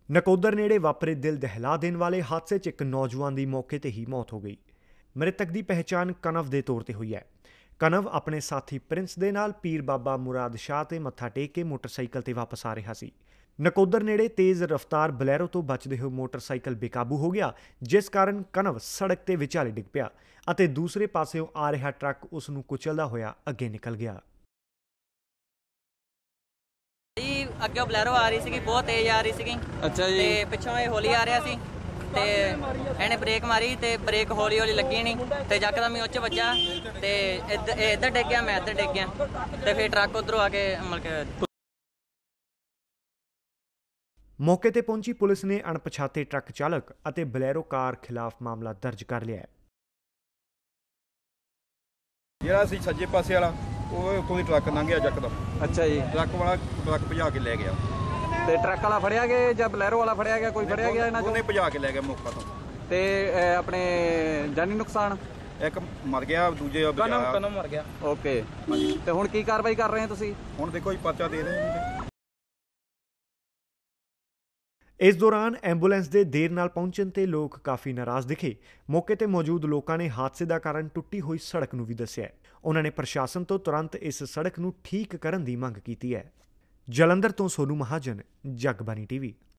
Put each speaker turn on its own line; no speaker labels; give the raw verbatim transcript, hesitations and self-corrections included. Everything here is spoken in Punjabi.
ਨਕੋਦਰ ਨੇੜੇ ਵਾਪਰੇ ਦਿਲ ਦਹਿਲਾ ਦੇਣ ਵਾਲੇ ਹਾਦਸੇ 'ਚ ਇੱਕ ਨੌਜਵਾਨ ਦੀ ਮੌਕੇ ਤੇ ਹੀ ਮੌਤ ਹੋ ਗਈ। ਮ੍ਰਿਤਕ ਦੀ ਪਹਿਚਾਣ ਕਨਵ ਦੇ ਤੌਰ ਤੇ ਹੋਈ ਹੈ। ਕਨਵ ਆਪਣੇ ਸਾਥੀ ਪ੍ਰਿੰਸ ਦੇ ਨਾਲ ਪੀਰ ਬਾਬਾ ਮੁਰਾਦ ਸ਼ਾਹ ਤੇ ਮੱਥਾ ਟੇਕ ਕੇ ਮੋਟਰਸਾਈਕਲ ਤੇ ਵਾਪਸ ਆ ਰਿਹਾ ਸੀ। ਨਕੋਦਰ ਨੇੜੇ ਤੇਜ਼ ਰਫ਼ਤਾਰ ਬਲੈਰੋ ਤੋਂ ਬਚਦੇ ਹੋਏ ਮੋਟਰਸਾਈਕਲ ਬੇਕਾਬੂ ਹੋ ਗਿਆ, ਜਿਸ ਕਾਰਨ ਕਨਵ ਸੜਕ ਤੇ ਵਿਚਾਲੇ ਡਿੱਗ ਪਿਆ ਅਤੇ ਦੂਸਰੇ ਪਾਸਿਓਂ ਆ ਰਿਹਾ ਟਰੱਕ ਉਸ ਨੂੰ ਕੁਚਲਦਾ ਹੋਇਆ ਅੱਗੇ ਨਿਕਲ ਗਿਆ।
ਅੱਗੇ ਬਲੈਰੋ ਆ ਰਹੀ ਸੀਗੀ, ਬਹੁਤ ਤੇਜ਼ ਆ ਰਹੀ ਸੀਗੀ।
ਅੱਛਾ ਜੀ।
ਤੇ ਪਿੱਛੋਂ ਇਹ ਹੌਲੀ ਆ ਰਿਹਾ ਸੀ ਤੇ ਇਹਨੇ ਬ੍ਰੇਕ ਮਾਰੀ ਤੇ ਬ੍ਰੇਕ ਹੌਲੀ ਹੌਲੀ ਲੱਗੀ ਨਹੀਂ ਤੇ ਯਕਦਮ ਹੀ ਉੱਚ ਵੱਜਾ ਤੇ ਇੱਧਰ ਇਹ ਇੱਧਰ ਡਿੱਗ ਗਿਆ, ਮੈਂ ਇੱਧਰ ਡਿੱਗ ਗਿਆ ਤੇ ਫਿਰ ਟਰੱਕ ਉੱਧਰੋਂ ਆ ਕੇ ਮਤਲਬ ਕਿ
ਮੌਕੇ ਤੇ ਪਹੁੰਚੀ ਪੁਲਿਸ ਨੇ ਅਣਪਛਾਤੇ ਟਰੱਕ ਚਾਲਕ ਅਤੇ ਬਲੈਰੋ ਕਾਰ ਖਿਲਾਫ ਮਾਮਲਾ ਦਰਜ ਕਰ ਲਿਆ ਹੈ।
ਜਿਹੜਾ ਸੀ ਸੱਜੇ ਪਾਸੇ ਵਾਲਾ ਉਹ ਉੱਥੋਂ ਦੀ ਟਰੱਕ ਲੰਘਿਆ ਯਕਦਮ।
ਅੱਛਾ ਜੀ।
ਟਰੱਕ ਵਾਲਾ ਟਰੱਕ ਭਜਾ ਕੇ ਲੈ ਗਿਆ।
ਤੇ ਟਰੱਕ ਵਾਲਾ ਫੜਿਆ ਗਿਆ ਜਾਂ ਬਲੈਰੋ ਵਾਲਾ ਫੜਿਆ ਗਿਆ? ਕੋਈ ਫੜਿਆ ਗਿਆ ਇਹਨਾਂ ਚੋਂ?
ਉਹਨੇ ਭਜਾ ਕੇ ਲੈ ਗਿਆ ਮੌਕਾ ਤੋਂ।
ਤੇ ਅਹ, ਆਪਣੇ ਜਾਨੀ ਨੁਕਸਾਨ?
ਇੱਕ ਮਰ ਗਿਆ, ਦੂਜੇ ਬਚਾਇਆ।
ਕਨਮ ਮਰ ਗਿਆ।
ਓਕੇ। ਤੇ ਹੁਣ ਕੀ ਕਾਰਵਾਈ ਕਰ ਰਹੇ ਹੋ ਤੁਸੀਂ?
ਹੁਣ ਦੇਖੋ ਜੀ ਪਰਚਾ ਦੇ ਰਹੇ ਨੇ।
ਇਸ ਦੌਰਾਨ ਐਂਬੂਲੈਂਸ ਦੇ ਦੇਰ ਨਾਲ ਪਹੁੰਚਣ ਤੇ ਲੋਕ ਕਾਫੀ ਨਾਰਾਜ਼ ਦਿਖੇ। ਮੌਕੇ ਤੇ ਮੌਜੂਦ ਲੋਕਾਂ ਨੇ ਹਾਦਸੇ ਦਾ ਕਾਰਨ ਟੁੱਟੀ ਹੋਈ ਸੜਕ ਨੂੰ ਵੀ ਦੱਸਿਆ। ਉਹਨਾਂ ਨੇ ਪ੍ਰਸ਼ਾਸਨ ਤੋਂ ਤੁਰੰਤ ਇਸ ਸੜਕ ਨੂੰ ਠੀਕ ਕਰਨ ਦੀ ਮੰਗ ਕੀਤੀ ਹੈ। ਜਲੰਧਰ ਤੋਂ ਸੋਨੂ ਮਹਾਜਨ, ਜਗਬਾਣੀ ਟੀਵੀ।